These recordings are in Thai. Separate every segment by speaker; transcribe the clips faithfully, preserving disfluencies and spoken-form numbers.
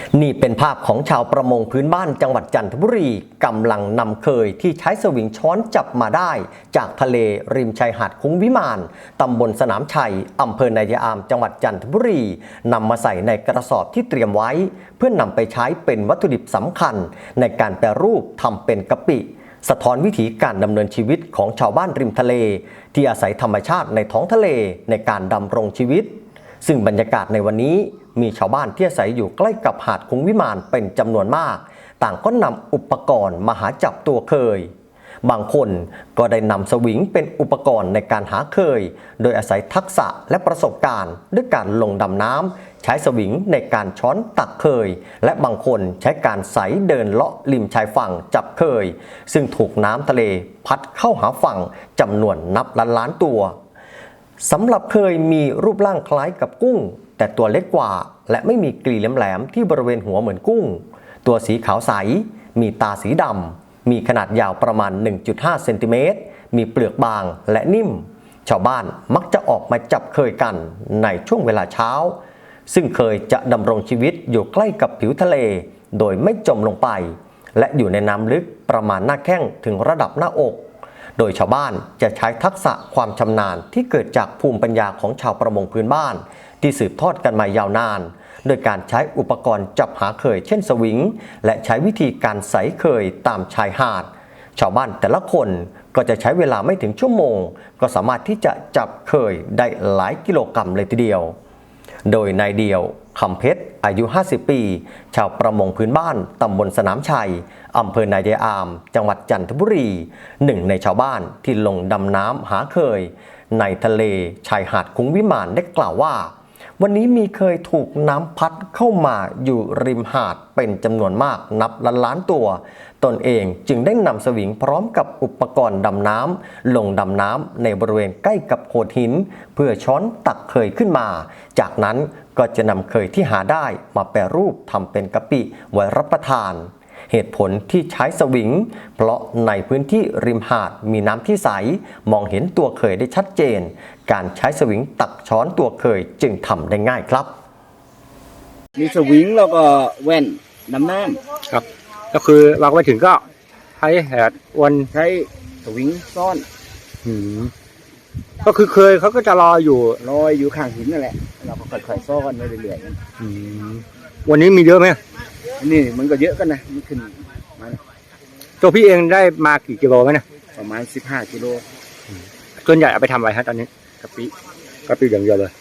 Speaker 1: นี่เป็นภาพของชาวประมงพื้นบ้านจังหวัดจันทบุรีกำลังนำเคยที่ใช้สวิงช้อนจับมาได้จากทะเลริมชายหาดคุ้งวิมานตำบลสนามชัยอำเภอนายามจังหวัดจันทบุรีนำมาใส่ในกระสอบที่เตรียมไว้เพื่อนนำไปใช้เป็นวัตถุดิบสำคัญในการแปรรูปทำเป็นกะปิสะท้อนวิถีการดำเนินชีวิตของชาวบ้านริมทะเลที่อาศัยธรรมชาติในท้องทะเลในการดำรงชีวิตซึ่งบรรยากาศในวันนี้มีชาวบ้านที่อาศัยอยู่ใกล้กับหาดคุ้งวิมานเป็นจำนวนมากต่างก็นำอุปกรณ์มาหาจับตัวเคยบางคนก็ได้นำสวิงเป็นอุปกรณ์ในการหาเคยโดยอาศัยทักษะและประสบการณ์ด้วยการลงดำน้ำใช้สวิงในการช้อนตักเคยและบางคนใช้การไสเดินเลาะริมชายฝั่งจับเคยซึ่งถูกน้ำทะเลพัดเข้าหาฝั่งจำนวนนับล้านล้านตัวสำหรับเคยมีรูปร่างคล้ายกับกุ้งแต่ตัวเล็กกว่าและไม่มีกลีแหลมๆที่บริเวณหัวเหมือนกุ้งตัวสีขาวใสมีตาสีดำมีขนาดยาวประมาณ หนึ่งจุดห้า เซนติเมตรมีเปลือกบางและนิ่มชาวบ้านมักจะออกมาจับเคยกันในช่วงเวลาเช้าซึ่งเคยจะดำรงชีวิตอยู่ใกล้กับผิวทะเลโดยไม่จมลงไปและอยู่ในน้ำลึกประมาณหน้าแข้งถึงระดับหน้าอกโดยชาวบ้านจะใช้ทักษะความชำนาญที่เกิดจากภูมิปัญญาของชาวประมงพื้นบ้านที่สืบทอดกันมายาวนานโดยการใช้อุปกรณ์จับหาเคยเช่นสวิงและใช้วิธีการใสเคยตามชายหาดชาวบ้านแต่ละคนก็จะใช้เวลาไม่ถึงชั่วโมงก็สามารถที่จะจับเคยได้หลายกิโลกรัมเลยทีเดียวโดยนายเดียวคำเพชรอายุห้าสิบปีชาวประมงพื้นบ้านตำบลสนามชัยอำเภอนายามจังหวัดจันทบุรีหนึ่งในชาวบ้านที่ลงดำน้ำหาเคยในทะเลชายหาดคุ้งวิมานได้กล่าวว่าวันนี้มีเคยถูกน้ำพัดเข้ามาอยู่ริมหาดเป็นจำนวนมากนับล้านล้านตัวตนเองจึงได้นำสวิงพร้อมกับอุปกรณ์ดำน้ำลงดำน้ำในบริเวณใกล้กับโขดหินเพื่อช้อนตักเคยขึ้นมาจากนั้นก็จะนำเคยที่หาได้มาแปรรูปทำเป็นกะปิไว้รับประทานเหตุผลที่ใช้สวิงเพราะในพื้นที่ริมหาดมีน้ำที่ใสมองเห็นตัวเคยได้ชัดเจนการใช้สวิงตักช้อนตัวเคยจึงทำได้ง่ายครับ
Speaker 2: มีสวิงแล้วก็แว่นน้ำน้ำ
Speaker 3: ครับก็คือเราไปถึงก็ใช้แหดวน
Speaker 2: ใช้สวิงซ่อน
Speaker 3: อืมก็คือเคยเขาก็จะรออยู่
Speaker 2: ลอยอยู่ข้างหินนั่นแหละเราก็ค่อยๆซ่อนไปเรื่อย
Speaker 3: ๆอืมวันนี้มีเยอะไหม
Speaker 2: นี่มันก็เยอะกันนะมันขึ้นมา
Speaker 3: ตัวพี่เองได้มากี่กิโลไหมเนี่ย
Speaker 2: ประมาณสิบห้ากิโล
Speaker 3: ส่วนใหญ่เอาไปทำอะไรฮะตอนนี้
Speaker 2: กะปิ
Speaker 3: กะปิอย่างเดียวเลย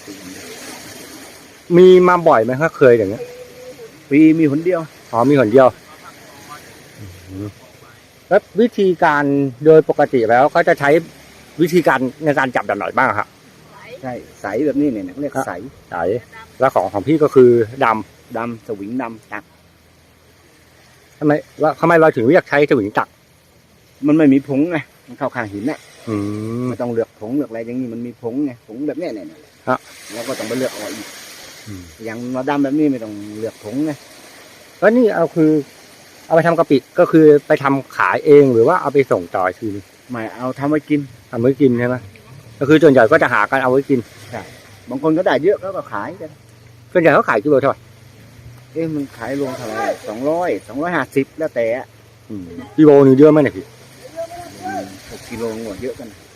Speaker 3: มีมาบ่อยไหมครับเคยอย่างเงี้ย
Speaker 2: ปีมีหนเดียว
Speaker 3: อ๋อมีหนเดียวแล้ววิธีการโดยปกติแล้วเขาจะใช้วิธีการในการจับแบบไหนบ้างครับ
Speaker 2: ใช่ใสแบบนี้เนี่ยเรียกใส
Speaker 3: ใสแล้วของของพี่ก็คือดำ
Speaker 2: ดำสวิงดำตัก
Speaker 3: ทำไมว่าทำไมเราถึงเรียกใช้สวิงตัก
Speaker 2: มันไม่มีผงไงมันเข้าข้างหินเนี่ย
Speaker 3: อืม
Speaker 2: ไม่ต้องเลือกผงเลือกอะไรอย่างนี้มันมีผงไงผงแบบเนี้ยเนี่ย
Speaker 3: ฮะ
Speaker 2: แล้วก็ต้องไปเลือกเอาอีกอย่างเราดำแบบนี้ไม่ต้องเลือกผงไง
Speaker 3: แล้วนี่เอาคือเอาไปทำกะปิก็คือไปทำขายเองหรือว่าเอาไปส่งต่อคือ
Speaker 2: ไม่เอาทำไว้กิน
Speaker 3: ทำไว้กินใช่ไหมก็คือส่วนใหญ่ก็จะหากันเอาไว้กิน
Speaker 2: ใช่บางคนก็ได้เยอะก็ขายกัน
Speaker 3: ส่วนใหญ่เขาขายกิโลเท่าไหร่
Speaker 2: เอ๊ะมันขายรวมเท่าไหร่สองร้อยสองร้อยห้าสิบแล้วแต่
Speaker 3: กิโลนึงเยอะไหมเนี่ยพี่
Speaker 2: หกกิโลงวดเยอะกัน